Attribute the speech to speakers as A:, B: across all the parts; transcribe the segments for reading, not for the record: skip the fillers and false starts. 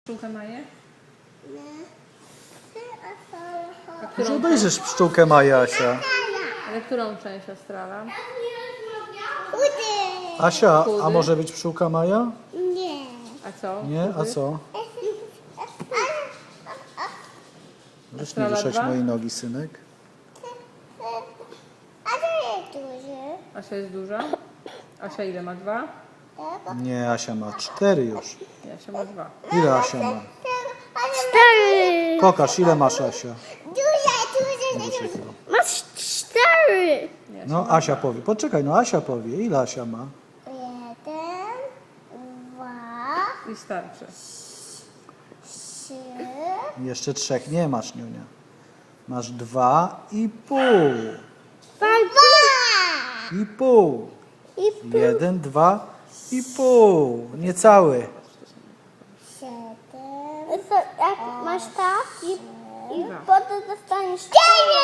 A: Pszczółkę Maję?
B: Może obejrzysz pszczółkę Maję, Asia.
A: Ale którą część Astrala?
B: Asia, a może być pszczółka Maja?
C: Nie.
A: A co?
B: Nie? A
A: Chudy?
B: co? Możesz nie
A: Astrala
B: ruszać
A: 2?
B: mojej nogi, synek.
C: A to jest duży.
A: Asia jest duża? Asia ile ma? 2?
B: Nie, Asia ma 4 już.
A: Nie, Asia ma 2.
B: Ile Asia ma?
C: 4.
B: Pokaż, ile masz, Asia.
C: Duże. Masz 4.
A: Nie,
B: No, Asia powie. Poczekaj, no Asia powie. Ile Asia ma?
C: 1, 2,
A: I starczy.
C: 3.
B: Jeszcze 3 nie masz, Niunia. Masz 2,5.
C: 2.
B: 1, 2,5. Niecały.
C: 7. Jak masz tak i
A: Dwa.
C: potem dostaniesz 9.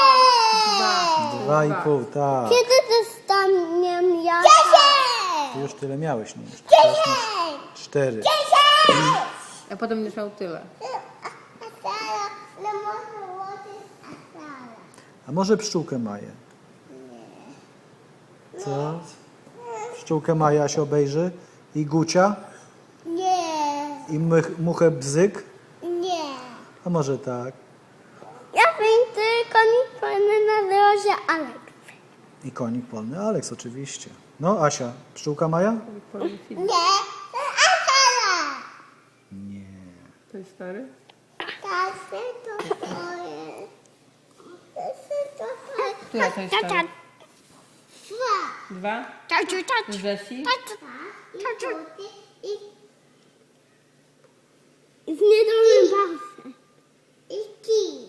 B: 2,5, tak.
C: Kiedy dostaniemy ja? 10.
B: Ty już tyle miałeś, Niunia. Teraz masz 4.
A: A potem będziesz miał tyle.
B: A może pszczółkę Maję? Co? Pszczółkę Maja się obejrzy? I Gucia?
C: Nie.
B: I muchę Bzyk?
C: Nie.
B: A może tak?
C: Ja wiem tylko nic na drodze, ale...
B: I konik polny Aleks, oczywiście. No, Asia, pszczółka Maja?
C: Nie. Asala.
B: Nie.
A: To jest stary?
C: Tasy to twoje. Tasy to twoje.
A: Która to jest stary?
C: 2.
A: 2?
C: Taciu,
A: Z Jessie?
C: I w niedolnym balsę. I kij.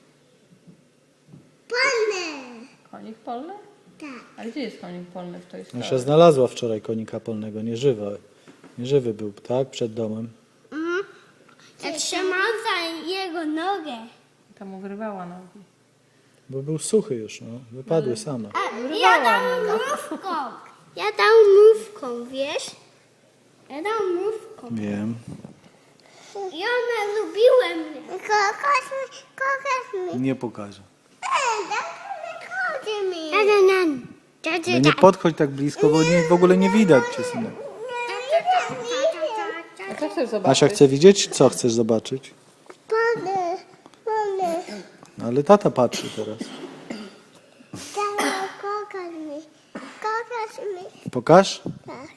C: Polny.
A: Konik polny?
C: Tak.
A: A gdzie jest konik polny w tej
B: Asia
A: stary?
B: znalazła wczoraj konika polnego, nieżywy. Nieżywy był, tak? Przed domem.
C: Jak trzymał za jego nogę.
A: Tam mu wyrwała nogi.
B: Bo był suchy już, no. Wypadły same.
C: Ja dam mrówką. Ja dam mrówką, wiesz? Ja dam mrówką.
B: Wiem.
C: I one lubiły mnie. Kochasz mnie.
B: Nie pokażę.
C: Kochasz
B: Nie podchodź tak blisko, bo w ogóle nie widać cię, synek.
A: A co chcesz zobaczyć?
B: Asia chce widzieć? Co chcesz zobaczyć?
C: Pany.
B: No, ale tata patrzy teraz.
C: Kochasz mnie. Kochasz mnie.
B: Pokaż?
C: Tak.